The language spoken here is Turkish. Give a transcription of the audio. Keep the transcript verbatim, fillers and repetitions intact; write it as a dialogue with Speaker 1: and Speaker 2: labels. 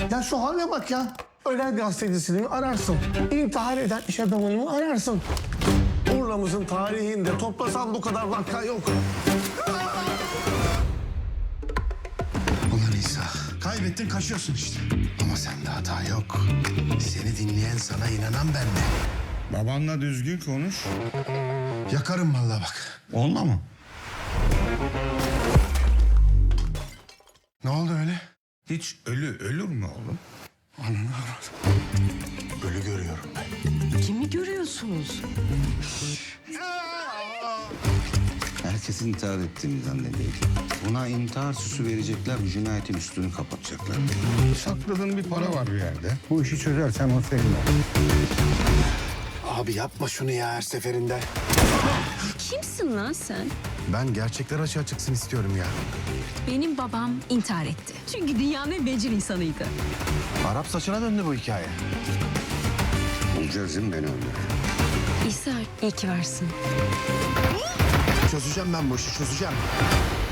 Speaker 1: Ya şu hale bak ya. Ölen gazetecisini ararsın. İntihar eden iş adamını ararsın. Urla'mızın tarihinde toplasan bu kadar vaka yok.
Speaker 2: Ulan İsa, kaybettin kaçıyorsun işte. Ama sende hata yok. Seni dinleyen, sana inanan ben de.
Speaker 3: Babanla düzgün konuş.
Speaker 2: Yakarım vallahi bak.
Speaker 3: Olma mı?
Speaker 2: Ne oldu öyle?
Speaker 3: Hiç ölü ölür mü oğlum?
Speaker 2: Ölü görüyorum ben.
Speaker 4: Kimi görüyorsunuz?
Speaker 3: Herkes intihar ettiğini zannediyor. Buna intihar süsü verecekler, bu cinayetin üstünü kapatacaklar. Sakladığın bir para var bir yerde. Bu işi çözersen o senin olur.
Speaker 2: Abi yapma şunu ya her seferinde.
Speaker 5: Kimsin lan sen?
Speaker 2: Ben gerçekler açığa çıksın istiyorum ya.
Speaker 5: Benim babam intihar etti. Çünkü dünyanın en bencil insanıydı.
Speaker 2: Arap saçına döndü bu hikaye.
Speaker 3: Bulacağız değil mi beni öldür?
Speaker 5: İsa iyi ki varsın.
Speaker 2: Çözeceğim ben bu işi, çözeceğim.